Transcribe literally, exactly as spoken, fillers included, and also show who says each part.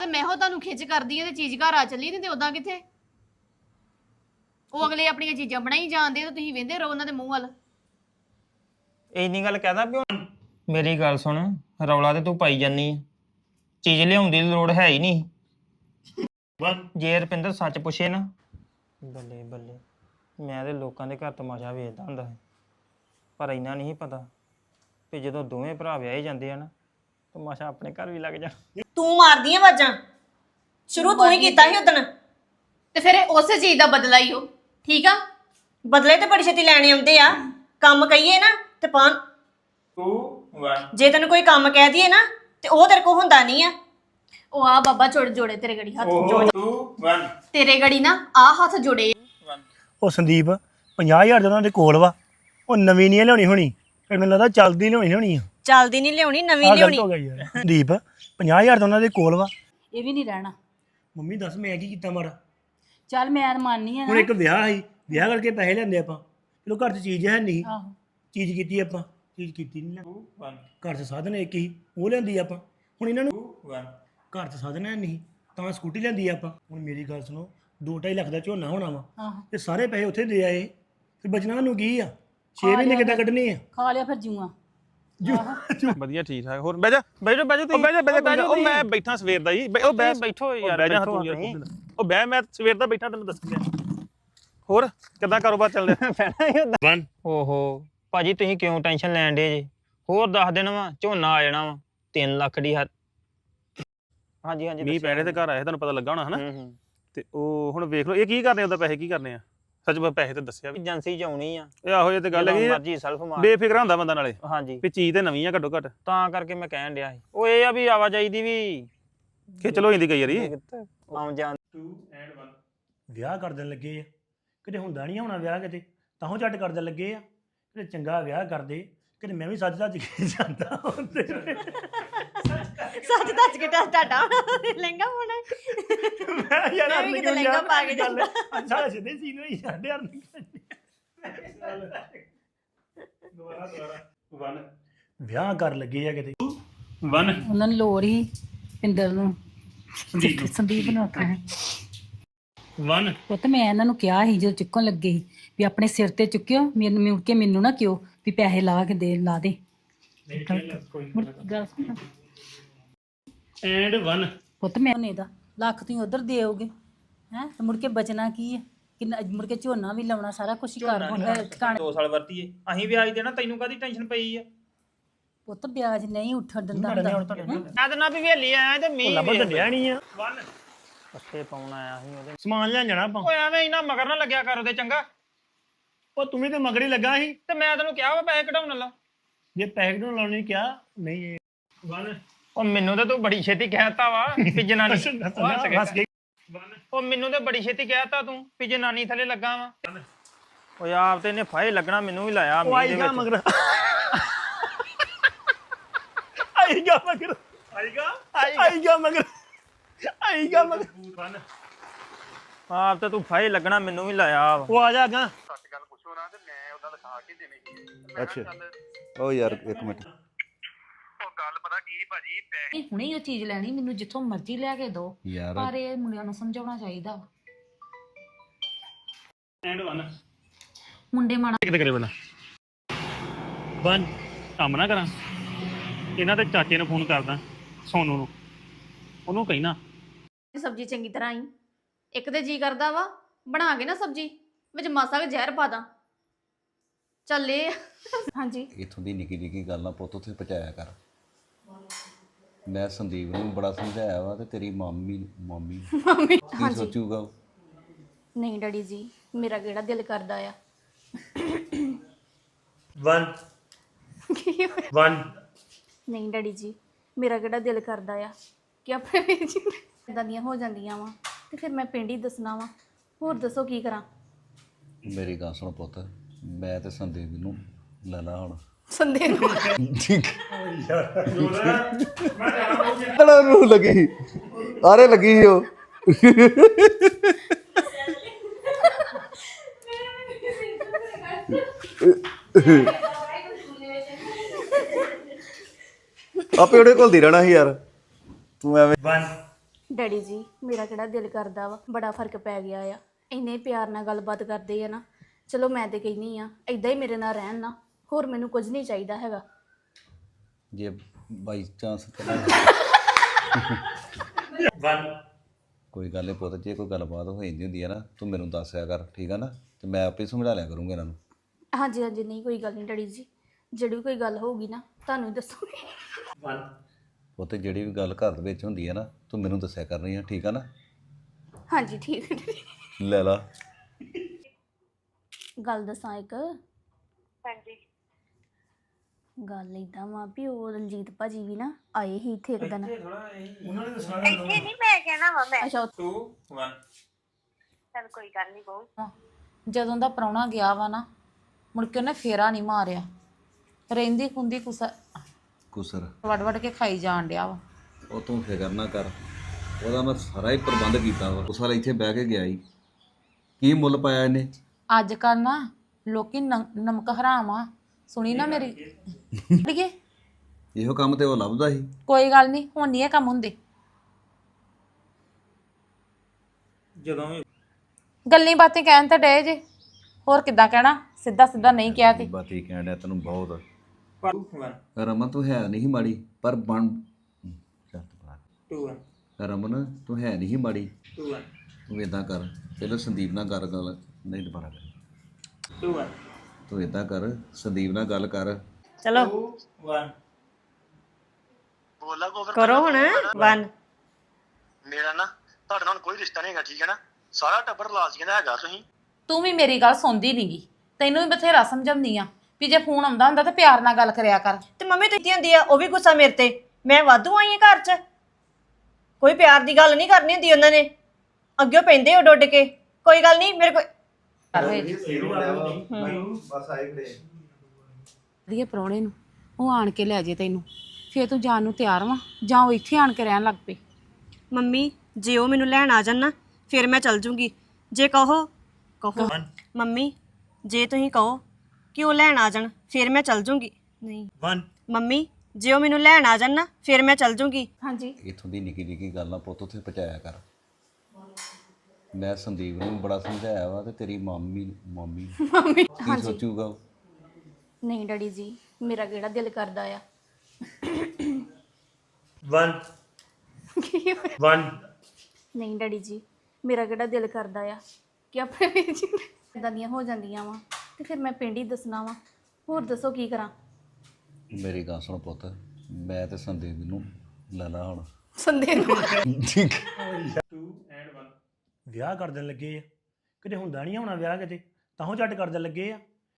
Speaker 1: ਮੈਂ ਹੋ ਤੁਹਾਨੂੰ ਖਿੱਚ ਕਰਦੀ ਆ ਤੇ ਚੀਜ਼ ਘਰ ਆ ਚੱਲੀ ਨਹੀਂ ਤੇ ਉਦਾਂ ਕਿੱਥੇ ਉਹ ਅਗਲੇ ਆਪਣੀਆਂ ਚੀਜ਼ਾਂ ਬਣਾਈ ਜਾਂਦੇ ਤੇ ਤੁਸੀਂ ਵੇਂਦੇ ਰਹੋ ਉਹਨਾਂ ਦੇ ਮੂੰਹ ਵੱਲ
Speaker 2: ਇੰਨੀ ਗੱਲ ਕਹਦਾ ਵੀ ਮੇਰੀ ਗੱਲ ਸੁਣ ਰੌਲਾ ਤੇ ਤੂੰ ਪਾਈ ਜਾਨੀ ਚੀਜ਼ ਲਿਆਉਣ ਦੀ ਲੋੜ ਹੈ ਹੀ ਨਹੀਂ ਜੇ ਰੁਪਿੰਦਰ ਸੱਚ ਪੁੱਛੇ ਨਾ ਬੱਲੇ ਬੱਲੇ ਮੈਂ ਤੇ ਲੋਕਾਂ ਦੇ ਘਰ ਤਮਾਸ਼ਾ ਵੇਖਦਾ ਹੁੰਦਾ ਸੀ ਪਰ ਇੰਨਾ ਨਹੀਂ ਪਤਾ ਵੀ ਜਦੋਂ ਦੋਵੇਂ ਭਰਾ ਵਿਆਹੇ ਜਾਂਦੇ ਆ ਨਾ ਤਮਾਸ਼ਾ ਆਪਣੇ ਘਰ ਵੀ ਲੱਗ ਜਾ
Speaker 3: ਤੂੰ ਮਾਰਦੀ ਆ ਆਵਾਜ਼ਾਂ ਸ਼ੁਰੂ ਤੂੰ ਹੀ ਕੀਤਾ ਸੀ ਉਦਣ
Speaker 1: ਤੇ ਫਿਰ ਉਸੇ ਚੀਜ਼ ਦਾ ਬਦਲਾ ਹੀ ਹੋ ਠੀਕ ਆ
Speaker 3: ਬਦਲੇ ਤੇ ਬੜੀ ਛੇਤੀ ਲੈਣੇ ਆਉਂਦੇ ਆ ਕੰਮ ਕਹੀਏ ਨਾ ਤੇ ਪਾਣ
Speaker 2: ਦੋ ਇੱਕ
Speaker 3: ਜੇ ਤੈਨੂੰ ਕੋਈ ਕੰਮ ਕਹਿ ਦਈਏ ਨਾ ਤੇ ਉਹ ਤੇਰੇ ਕੋ ਹੁੰਦਾ ਨਹੀਂ ਆ
Speaker 1: ਉਹ ਆ ਬਾਬਾ ਜੋੜ ਜੋੜੇ ਤੇਰੇ ਗੜੀ ਹੱਥ
Speaker 2: ਦੋ ਇੱਕ
Speaker 1: ਤੇਰੇ ਗੜੀ ਨਾ ਆ ਹੱਥ ਜੋੜੇ
Speaker 4: ਉਹ ਸੰਦੀਪ ਪੰਜਾਹ ਹਜ਼ਾਰ ਦਾ ਉਹਨਾਂ ਦੇ ਕੋਲ ਵਾ ਉਹ ਨਵੀਂ ਨਹੀਂ ਲਿਆਉਣੀ ਹੋਣੀ ਫਿਰ ਮੈਨੂੰ ਲੱਗਦਾ ਚੱਲਦੀ ਲਿਆਉਣੀ ਹੋਣੀ ਆ
Speaker 3: ਚੱਲਦੀ ਨਹੀਂ ਲਿਆਉਣੀ ਨਵੀਂ
Speaker 4: ਆਹ
Speaker 3: ਲਿਆਉਣੀ
Speaker 4: ਗਲਤ ਹੋ ਗਿਆ ਯਾਰ ਸੰਦੀਪ ਪੰਜਾਹ ਹਜ਼ਾਰ ਦਾ ਉਹਨਾਂ ਦੇ ਕੋਲ ਵਾ
Speaker 5: ਇਹ ਵੀ ਨਹੀਂ ਰਹਿਣਾ
Speaker 4: ਮੰਮੀ ਦੱਸ ਮੈਂ ਕੀ ਕੀਤਾ ਮਾਰਾ
Speaker 5: ਚੱਲ ਮੈਂ ਮੰਨਨੀ ਆ
Speaker 4: ਹੁਣ ਇੱਕ ਵਿਆਹ ਸੀ ਵਿਆਹ ਕਰਕੇ ਪੈਸੇ ਲੈਂਦੇ ਆਪਾਂ ਚਲੋ ਘਰ 'ਚ ਚੀਜ਼ ਹੈ ਨਹੀਂ
Speaker 5: ਆਹੋ
Speaker 4: ਚੀਜ਼ ਕੀਤੀ ਆਪਾਂ ਚੀਜ਼ ਕੀਤੀ ਨਹੀਂ ਨਾ ਘਰ 'ਚ ਸਾਧਨ ਇੱਕ ਹੀ ਉਹ ਲੈਂਦੀ ਆਪਾਂ ਹੁਣ ਇਹਨਾਂ ਨੂੰ ਘਰ 'ਚ ਸਾਧਨ ਹੈ ਨਹੀਂ ਤਾਂ ਸਕੂਟੀ ਲੈਂਦੀ ਆਪਾਂ ਹੁਣ ਮੇਰੀ ਗੱਲ ਸੁਣੋ ਦੋ ਢਾਈ ਲੱਖ ਦਾ ਝੋਨਾ ਹੋਣਾ ਵਾ
Speaker 5: ਆਹੋ
Speaker 4: ਤੇ ਸਾਰੇ ਪੈਸੇ ਉੱਥੇ ਦੇ ਆਏ ਫਿਰ ਬਚਣਾ ਨੂੰ ਕੀ ਆ ਛੇ ਮਹੀਨੇ ਕਿੱਦਾਂ ਕੱਢਣੇ ਆ
Speaker 5: ਖਾ ਲਿਆ ਫਿਰ ਜੂਆਂ
Speaker 6: ਵਧੀਆ ਠੀਕ ਠਾਕ ਹੋਰ ਬਹਿ ਜਾ
Speaker 2: ਬੈਠੋ ਬੈਠੋ
Speaker 6: ਉਹ
Speaker 2: ਤੁਸੀਂ
Speaker 6: ਬਹਿ ਜਾ ਬਹਿ ਜਾ ਕੋਈ ਨਾ, ਉਹ ਮੈਂ ਬੈਠਾ ਸਵੇਰ ਦਾ ਜੀ ਬਹਿ- ਉਹ ਬਹਿ
Speaker 2: ਬੈਠੋ ਯਾਰ
Speaker 6: ਬਹਿ ਜਾ
Speaker 2: ਬੈਠੋ
Speaker 6: ਤੂੰ ਯਾਰ
Speaker 2: ਤੁਸੀਂ।
Speaker 6: ਖੁਦ। ਉਹ ਬਹਿ ਮੈਂ ਸਵੇਰ ਦਾ ਬੈਠਾ ਤੈਨੂੰ ਦੱਸ ਦਿਆਂ ਹੋਰ ਕਿੱਦਾਂ ਕਾਰੋਬਾਰ ਚੱਲ ਰਿਹਾ
Speaker 2: ਓਹੋ ਭਾਜੀ ਤੁਸੀਂ ਕਿਉਂ ਟੈਨਸ਼ਨ ਲੈਣ ਡੇ ਜੇ ਹੋਰ ਦੱਸ ਦੇਣਾ ਵਾ ਝੋਨਾ ਆ ਜਾਣਾ ਵਾ ਤਿੰਨ ਲੱਖ ਦੀ ਹੱਦ ਹਾਂਜੀ ਹਾਂਜੀ
Speaker 6: ਮੀਂਹ
Speaker 2: ਦੱਸਿਆ
Speaker 6: ਪੈਣੇ ਤੇ ਘਰ ਆਏ ਤੁਹਾਨੂੰ ਪਤਾ ਲੱਗਾ ਹੋਣਾ ਹਨਾ
Speaker 2: ਹੂੰ ਹੂੰ
Speaker 6: ਤੇ ਉਹ ਹੁਣ ਵੇਖ ਲਓ ਇਹ ਕੀ ਕਰਨੇ ਉਹਦਾ ਪੈਸੇ ਕੀ ਕਰਨੇ ਆ ਸੱਚ ਮੈਂ ਪੈਸੇ ਤੇ ਦੱਸਿਆ ਵੀ
Speaker 2: ਏਜੰਸੀ ਚ ਆਉਣੀ ਆ
Speaker 6: ਇਹ ਆਹੋ ਇਹ ਤੇ ਗੱਲ ਹੈਗੀ ਆ,
Speaker 2: ਮਰਜੀ ਸੈਲਫ ਮਾਰ
Speaker 6: ਬੇਫਿਕਰ ਹੁੰਦਾ ਬੰਦਾ ਨਾਲੇ
Speaker 2: ਹਾਂਜੀ
Speaker 6: ਵੀ ਚੀਜ਼ ਤੇ ਨਵੀਂ ਆ ਘੱਟੋ ਘੱਟ
Speaker 2: ਤਾਂ ਕਰਕੇ ਮੈਂ ਕਹਿਣ ਡਿਆ ਸੀ ਉਹ ਇਹ ਆ ਵੀ ਆਵਾਜਾਈ ਦੀ ਵੀ
Speaker 6: ਖਿੱਚਲ ਹੋ ਜਾਂਦੀ ਕਈ ਵਾਰੀ
Speaker 2: ਆਉਂ ਜਾਣ
Speaker 4: ਵਿਆਹ ਕਰ ਦੇਣ ਲੱਗੇ ਆ ਕਿਤੇ ਹੁੰਦਾ ਨਹੀਂ ਹੋਣਾ ਵਿਆਹ ਕਿਤੇ ਤਾਂ ਉਹ ਝੱਟ ਕਰ ਦੇਣ ਲੱਗੇ ਆ ਕਿਤੇ ਚੰਗਾ ਵਿਆਹ ਕਰਦੇ ਕਿਤੇ ਮੈਂ ਵੀ ਸੱਜ ਸੱਜ ਕੇ ਜਾਂਦਾ ਹੁੰਦੇ
Speaker 3: ਸੱਚ ਦੱਸ ਕੇ ਟਾਟਾ ਲਹਿੰਗਾ ਹੋਣਾ
Speaker 4: ਮੈਂ ਯਾਰ
Speaker 3: ਮੈਂ ਵੀ ਕਿਤੇ ਲਹਿੰਗਾ ਪਾ ਕੇ ਜਾਂਦਾ।
Speaker 4: ਅੱਛਾ ਸਿੱਧੇ ਸੀਨ ਹੋਈ ਸਾਡੇ ਯਾਰ ਦੁਬਾਰਾ ਦੁਬਾਰਾ ਵਿਆਹ ਕਰ ਲੱਗੇ ਆ ਕਿਤੇ
Speaker 5: ਉਹਨਾਂ ਨੂੰ ਲੋੜ ਹੀ ਪਿੰਦਰ ਨੂੰ ਸੰਦੀਪ ਸੰਦੀਪ ਨੂੰ ਆਖਿਆ
Speaker 4: ਵਨ
Speaker 5: ਉਹ ਤੇ ਮੈਂ ਇਹਨਾਂ ਨੂੰ ਕਿਹਾ ਸੀ ਜਦੋਂ ਚੁੱਕਣ ਲੱਗੇ ਸੀ ਵੀ ਆਪਣੇ ਸਿਰ ਤੇ ਚੁੱਕਿਓ ਮੈਨੂੰ ਮੁੜ ਕੇ ਮੈਨੂੰ ਨਾ ਕਿਉ ਵੀ ਪੈਸੇ ਲਾ ਕੇ ਦੇ ਲਾ ਦੇ ਮੁੜ ਕੇ ਗੱਲ ਸੁਣ।
Speaker 4: ਐਂਡ ਵਨ
Speaker 5: ਪੁੱਤ ਮੈਂ ਨੇ ਦਾ ਲੱਖ ਤੁਸੀਂ ਉਧਰ ਦੇਓਗੇ ਹੈ ਮੁੜ ਕੇ ਬਚਣਾ ਕੀ ਹੈ ਕਿੰਨਾ ਮੁੜ ਕੇ ਝੋਨਾ ਵੀ ਲਾਉਣਾ ਸਾਰਾ ਕੁਝ ਹੀ ਕਰ ਹੋਣਾ ਟਿਕਾਣੇ
Speaker 2: ਦੋ ਸਾਲ ਵਰਤੀਏ ਅਸੀਂ ਵਿਆਜ ਦੇਣਾ ਤੈਨੂੰ ਕਾਦੀ ਟੈਨਸ਼ਨ ਪਈ ਆ
Speaker 5: ਪੁੱਤ ਵਿਆਜ ਨਹੀਂ ਉੱਠਣ ਦਿੰਦਾ ਹੁੰਦਾ
Speaker 2: ਮੈਂ ਤਾਂ ਨਾ ਵੀ ਵੇਲੀ ਆਇਆ ਤੇ ਮੀਂਹ
Speaker 4: ਲੱਭਣ ਤਾਂ ਡਿਆ ਨਹੀਂ ਆ
Speaker 2: ਪੱਠੇ ਪਾਉਣ ਆਇਆ ਸੀ ਉਹਦੇ
Speaker 4: ਸਮਾਨ ਲੈਣ ਜਾਣਾ ਆਪਾਂ
Speaker 2: ਓਏ ਐਵੇਂ ਇਨਾ ਮਗਰ ਨਾ ਲੱਗਿਆ ਕਰ ਉਹਦੇ ਚੰਗਾ
Speaker 4: ਉਹ ਤੂੰ ਵੀ ਤੇ ਮਗਰੀ ਲੱਗਾ ਸੀ
Speaker 2: ਤੇ ਮੈਂ ਤੈਨੂੰ ਕਿਹਾ ਵਾ ਪੈਸੇ ਕਢਾਉਣ ਲਾ
Speaker 4: ਜੇ ਪੈਸੇ ਨੂੰ ਲਾਉਣ ਨੂੰ ਕਿਹਾ ਨਹੀਂ ਵਨ
Speaker 2: ਉਹ ਮੈਨੂੰ ਤਾਂ ਤੂੰ ਬੜੀ ਛੇਤੀ ਕਹਿਤਾ ਵਾ ਵੀ ਜਨਾਨੀ
Speaker 4: ਹੱਸ ਕੇ
Speaker 2: ਉਹ ਮੈਨੂੰ ਤੇ ਬੜੀ ਛੇਤੀ ਕਹਿਤਾ ਤੂੰ ਵੀ ਜਨਾਨੀ ਥੱਲੇ ਲੱਗਾ ਵਾ ਓਏ ਆਪ ਤੇ ਇਹਨੇ ਫਾਇ ਲੱਗਣਾ ਮੈਨੂੰ ਵੀ ਲਾਇਆ
Speaker 4: ਉਹ ਆਈਗਾ ਮਗਰ ਆਈਗਾ ਮਗਰ ਆਈਗਾ ਆਈਗਾ ਮਗਰ ਆਈਗਾ ਮਗਰ
Speaker 2: ਆਪ ਤੇ ਤੂੰ ਫਾਇ ਲੱਗਣਾ ਮੈਨੂੰ ਵੀ ਲਾਇਆ ਵਾ
Speaker 4: ਉਹ ਆ ਜਾ ਗਾ
Speaker 7: ਅੱਛਾ ਉਹ ਯਾਰ ਇੱਕ ਮਿੰਟ
Speaker 8: ਇਹ ਹੁਣੇ ਹੀ ਉਹ ਚੀਜ਼ ਲੈਣੀ ਮੈਨੂੰ ਜਿੱਥੋਂ ਮਰਜ਼ੀ ਲੈ ਕੇ ਦੋ
Speaker 7: ਯਾਰ
Speaker 8: ਪਰ ਇਹ ਮੁੰਡਿਆਂ ਨੂੰ ਸਮਝਾਉਣਾ ਚਾਹੀਦਾ
Speaker 4: ਐਂਡ ਵਨ
Speaker 8: ਮੁੰਡੇ ਮਾੜਾ
Speaker 6: ਕਿਤੇ ਕਰੇ ਬੰਦਾ
Speaker 4: ਵਨ
Speaker 6: ਕੰਮ ਨਾ ਕਰਾਂ ਇਹਨਾਂ ਦੇ ਚਾਚੇ ਨੂੰ ਫੋਨ ਕਰਦਾ ਸੋਨੂ ਨੂੰ ਉਹਨੂੰ ਕਹਿਣਾ
Speaker 1: ਸਬਜ਼ੀ ਚੰਗੀ ਤਰ੍ਹਾਂ ਹੀ ਇੱਕ ਤੇ ਜੀ ਕਰਦਾ ਵਾ ਬਣਾ ਕੇ ਨਾ ਸਬਜ਼ੀ ਵਿੱਚ ਮਾਸਾ ਕੁ ਜ਼ਹਿਰ ਪਾ ਦਾਂ ਚੱਲੇ ਹਾਂਜੀ
Speaker 7: ਇਥੋਂ ਦੀ ਨਿੱਕੀ ਨਿੱਕੀ ਗੱਲ ਨਾ ਪੁੱਤ ਉੱਥੇ ਪਹੁੰਚਾਇਆ ਕਰ ਮੈਂ ਸੰਦੀਪ ਨੂੰ ਬੜਾ ਸਮਝਾਇਆ ਵਾ ਤੇ ਤੇਰੀ ਮਾਮੀ ਮਾਮੀ
Speaker 1: ਮੰਮੀ
Speaker 7: ਕੀ ਸੋਚੂਗਾ ਉਹ?
Speaker 1: ਨਹੀਂ ਡੈਡੀ ਜੀ ਮੇਰਾ ਕਿਹੜਾ ਦਿਲ ਕਰਦਾ ਆ
Speaker 4: ਵਨ
Speaker 1: ਕੀ ਹੋਇਆ?
Speaker 4: ਵਨ
Speaker 1: ਨਹੀਂ ਡੈਡੀ ਜੀ ਮੇਰਾ ਕਿਹੜਾ ਦਿਲ ਕਰਦਾ ਆ ਕਿ ਆਪਣੇ ਵੀਰ ਜੀ ਇਦਾਂ ਦੀਆਂ ਹੋ ਜਾਂਦੀਆਂ ਵਾ ਤੇ ਫਿਰ ਮੈਂ ਪਿੰਡ ਹੀ ਦੱਸਣਾ ਵਾ ਹੋਰ ਦੱਸੋ ਕੀ ਕਰਾਂ
Speaker 7: ਮੇਰੀ ਗੱਲ ਸੁਣ ਪੁੱਤ ਮੈਂ ਤੇ ਸੰਦੀਪ ਨੂੰ ਲੈ ਲਾ ਹੁਣ
Speaker 1: ਸੰਦੇ ਨੂੰ
Speaker 7: ਤੜਾ ਨੂੰ ਲੱਗੀ ਆਰੇ ਲੱਗੀ ਸੀ ਉਹ ਆਪੇ ਉਹਦੇ ਕੋਲ ਦੀ ਰਹਿਣਾ ਸੀ ਯਾਰ ਤੂੰ ਐਵੇਂ
Speaker 4: ਵਨ
Speaker 1: ਡੈਡੀ ਜੀ ਮੇਰਾ ਕਿਹੜਾ ਦਿਲ ਕਰਦਾ ਵਾ ਬੜਾ ਫਰਕ ਪੈ ਗਿਆ ਆ ਇੰਨੇ ਪਿਆਰ ਨਾਲ ਗੱਲਬਾਤ ਕਰਦੇ ਆ ਨਾ ਚਲੋ ਮੈਂ ਤੇ ਕਹਿੰਦੀ ਆ ਇਦਾਂ ਹੀ ਮੇਰੇ ਨਾਲ ਰਹਿਣ ਨਾ ਹੋਰ ਮੈਨੂੰ ਕੁਝ ਨਹੀਂ ਚਾਹੀਦਾ ਹੈਗਾ
Speaker 7: ਜੇ ਬਾਈ ਚਾਂਸ ਕੋਈ ਗੱਲ ਨਹੀਂ ਪੁੱਤ ਜੇ ਕੋਈ ਗੱਲਬਾਤ ਹੋ ਜਾਂਦੀ ਹੁੰਦੀ ਹੈ ਨਾ ਤੂੰ ਮੈਨੂੰ ਦੱਸਿਆ ਕਰ ਠੀਕ ਆ ਨਾ ਤੇ ਮੈਂ ਆਪੇ ਸਮਝਾ ਲਿਆ ਕਰੂੰਗਾ ਇਹਨਾਂ ਨੂੰ
Speaker 1: ਹਾਂਜੀ ਹਾਂਜੀ ਨਹੀਂ ਕੋਈ ਗੱਲ ਨਹੀਂ ਡੈਡੀ ਜੀ ਜਿਹੜੀ ਵੀ ਕੋਈ ਗੱਲ ਹੋਊਗੀ ਨਾ ਤੁਹਾਨੂੰ ਹੀ ਦੱਸੂਗੀ
Speaker 7: ਪੁੱਤ ਜਿਹੜੀ ਵੀ ਗੱਲ ਘਰ ਦੇ ਵਿੱਚ ਹੁੰਦੀ ਹੈ ਨਾ ਤੂੰ ਮੈਨੂੰ ਦੱਸਿਆ ਕਰਨੀ ਆ ਠੀਕ ਆ ਨਾ
Speaker 1: ਹਾਂਜੀ ਠੀਕ ਹੈ ਡੈਡੀ।
Speaker 7: ਲੈ ਲਾ
Speaker 1: ਗੱਲ ਦੱਸਾਂ ਇੱਕ ਹਾਂਜੀ ਗੱਲ ਇਦਾਂ ਵਾ ਵੀ ਉਹ ਰਣਜੀਤ ਭਾਜੀ ਵੀ ਨਾ ਆਏ ਹੀ ਇੱਥੇ ਇੱਕ ਦਿਨ
Speaker 4: ਉਹਨਾਂ ਨੇ ਦੱਸਣਾ
Speaker 9: ਇੱਥੇ ਨਹੀਂ ਮੈਂ ਕਹਿਣਾ ਵਾ ਮੈਂ
Speaker 1: ਅੱਛਾ
Speaker 2: ਟੂ ਵਨ
Speaker 9: ਚੱਲ ਕੋਈ ਗੱਲ ਨਹੀਂ ਬਹੁ
Speaker 8: ਜਦੋਂ ਦਾ ਪ੍ਰਾਹੁਣਾ ਗਿਆ ਵਾ ਨਾ ਮੁੜ ਕੇ ਉਹਨੇ ਫੇਰਾ ਨਹੀਂ ਮਾਰਿਆ ਰਹਿੰਦੀ ਖੁੰਦੀ ਕੁਸਾ
Speaker 7: ਕੁਸਰ
Speaker 8: ਵੜ ਵੜ ਕੇ ਖਾਈ ਜਾਣ ਡਿਆ ਵਾ
Speaker 7: ਉਹ ਤੂੰ ਫਿਕਰ ਨਾ ਕਰ ਉਹਦਾ ਮੈਂ ਸਾਰਾ ਹੀ ਪ੍ਰਬੰਧ ਕੀਤਾ ਵਾ ਉਸ ਵਾਲਾ ਇੱਥੇ ਬਹਿ ਕੇ ਗਿਆ ਹੀ ਕੀ ਮੁੱਲ ਪਾਇਆ ਇਹਨੇ
Speaker 8: ਅੱਜ ਕੱਲ ਨਾ ਲੋਕੀ ਨਮ- ਨਮਕ ਹਰਾਮ ਆ ਸੁਣੀ ਨਾ ਮੇਰੀ ਅੜੀਏ
Speaker 7: ਇਹੋ ਕੰਮ ਤੇ ਉਹ ਲੱਭਦਾ ਸੀ
Speaker 8: ਕੋਈ ਗੱਲ ਨਹੀਂ ਹੁਣ ਨਹੀਂ ਇਹ ਕੰਮ ਹੁੰਦੇ
Speaker 2: ਜਦੋਂ ਵੀ
Speaker 8: ਗੱਲਾਂ ਬਾਤਾਂ ਕਹਿਣ ਤਾਂ ਡੇ ਜੇ ਹੋਰ ਕਿੱਦਾਂ ਕਹਿਣਾ ਸਿੱਧਾ ਸਿੱਧਾ ਨਹੀਂ ਕਿਹਾ ਤੇ
Speaker 7: ਬਾਤੀ ਕਹਿਣ ਡਿਆ ਤੈਨੂੰ ਬਹੁਤ
Speaker 2: ਟੂ ਵਨ
Speaker 7: ਰਮਨ ਤੂੰ ਹੈ ਨਹੀਂ ਮਾੜੀ ਪਰ ਬਣ ਚੱਲ ਬਾਹਰ।
Speaker 2: ਟੂ ਵਨ
Speaker 7: ਰਮਨ ਤੂੰ ਹੈ ਨਹੀਂ ਮਾੜੀ
Speaker 2: ਟੂ ਵਨ
Speaker 7: ਤੂੰ ਇਦਾਂ ਕਰ ਪਹਿਲਾਂ ਸੰਦੀਪ ਨਾਲ ਕਰ ਗੱਲ ਨਹੀਂ ਦੁਬਾਰਾ ਕਰ
Speaker 2: ਟੂ ਵਨ
Speaker 7: ਤੂੰ ਇਦਾਂ ਕਰ ਸੰਦੀਪ ਨਾਲ ਗੱਲ ਕਰ
Speaker 3: ਚਲੋ
Speaker 2: ਟੂ ਵਨ
Speaker 3: ਕਰੋ ਹੁਣ ਵਨ
Speaker 4: ਮੇਰਾ ਨਾ ਤੁਹਾਡੇ ਨਾਲ ਕੋਈ ਰਿਸ਼ਤਾ ਨਹੀਂ ਹੈਗਾ ਠੀਕ ਹੈ ਨਾ ਸਾਰਾ ਟੱਬਰ ਲਾਜ਼ੀਆਂ ਦਾ ਹੈਗਾ ਤੁਸੀਂ
Speaker 8: ਤੂੰ ਵੀ ਮੇਰੀ ਗੱਲ ਸੁਣਦੀ ਨਹੀਂਗੀ ਤੈਨੂੰ ਵੀ ਬਥੇਰਾ ਸਮਝਾਉਂਦੀ ਆ ਵੀ ਜੇ ਫੋਨ ਆਉਂਦਾ ਹੁੰਦਾ ਤਾਂ ਪਿਆਰ ਨਾਲ ਗੱਲ ਕਰਿਆ ਕਰ
Speaker 3: ਤੇ ਮੰਮੀ ਤੁਸੀਂ ਹੁੰਦੀ ਆ ਉਹ ਵੀ ਗੁੱਸਾ ਮੇਰੇ ਤੇ ਮੈਂ ਵਾਧੂ ਆਈ ਆ ਘਰ 'ਚ ਕੋਈ ਪਿਆਰ ਦੀ ਗੱਲ ਨਹੀਂ ਕਰਨੀ ਹੁੰਦੀ ਉਹਨਾਂ ਨੇ ਅੱਗੇ ਪੈਂਦੇ ਉੱਡ ਉੱਡ ਕੇ ਕੋਈ ਗੱਲ ਨਹੀਂ ਮੇਰੇ ਕੋਈ
Speaker 8: ਵਧੀਆ ਪ੍ਰਾਹੁਣੇ ਨੂੰ ਉਹ ਆਣ ਕੇ ਲੈ ਜੇ ਤੈਨੂੰ ਫੇਰ ਤੂੰ ਜਾਣ ਨੂੰ ਤਿਆਰ ਵਾਂ ਜਾਂ ਉਹ ਇੱਥੇ ਆਣ ਕੇ ਰਹਿਣ ਲੱਗ ਪਈ
Speaker 3: ਮੰਮੀ ਜੇ ਉਹ ਮੈਨੂੰ ਲੈਣ ਆ ਜਾਣ ਨਾ ਫਿਰ ਮੈਂ ਚੱਲ ਜੂੰਗੀ ਜੇ ਕਹੋ ਕਹੋ ਮੰਮੀ ਜੇ ਤੁਸੀਂ ਕਹੋ ਕਿ ਉਹ ਲੈਣ ਆ ਜਾਣ ਫਿਰ ਮੈਂ ਚੱਲ ਜੂੰਗੀ ਨਹੀਂ
Speaker 4: ਵਨ
Speaker 3: ਮੰਮੀ ਜੇ ਉਹ ਮੈਨੂੰ ਲੈਣ ਆ ਜਾਣ ਨਾ ਫਿਰ ਮੈਂ ਚੱਲ ਜੂੰਗੀ
Speaker 1: ਹਾਂਜੀ
Speaker 7: ਇੱਥੋਂ ਦੀ ਨਿੱਕੀ ਨਿੱਕੀ ਗੱਲ ਨਾ ਪੁੱਤ ਉੱਥੇ ਪਹੁੰਚਾਇਆ ਕਰ ਮੈਂ ਸੰਦੀਪ ਨੂੰ ਬੜਾ ਸਮਝਾਇਆ ਵਾ ਤੇ ਤੇਰੀ ਮਾਮੀ ਮਾਮੀ ਕੀ ਸੋਚੂਗਾ ਉਹ?
Speaker 1: ਨਹੀਂ ਡੈਡੀ ਜੀ ਮੇਰਾ ਕਿਹੜਾ ਦਿਲ ਕਰਦਾ ਆ
Speaker 4: ਵਨ ਵਨ
Speaker 1: ਨਹੀਂ ਡੈਡੀ ਜੀ ਮੇਰਾ ਕਿਹੜਾ ਦਿਲ ਕਰਦਾ ਆ ਕਿ ਆਪਣੇ ਵੀਰ ਜੀ ਇਦਾਂ ਦੀਆਂ ਹੋ ਜਾਂਦੀਆਂ ਵਾ ਤੇ ਫਿਰ ਮੈਂ ਪਿੰਡ ਹੀ ਦੱਸਣਾ ਵਾ ਹੋਰ ਦੱਸੋ ਕੀ ਕਰਾਂ
Speaker 7: ਮੇਰੀ ਗੱਲ ਸੁਣ ਪੁੱਤ ਮੈਂ ਤੇ ਸੰਦੀਪ ਨੂੰ ਲੈ ਲਾ ਹੁਣ
Speaker 1: ਸੰਦੇ ਨੂੰ
Speaker 4: ਵਿਆਹ ਕਰ ਦੇਣ ਲੱਗੇ ਆ ਕਿਤੇ ਹੁੰਦਾ ਨਹੀਂ ਹੋਣਾ ਵਿਆਹ ਕਿਤੇ ਤਾਂਹੋਂ ਝੱਟ ਕਰ ਦੇਣ ਲੱਗੇ ਆ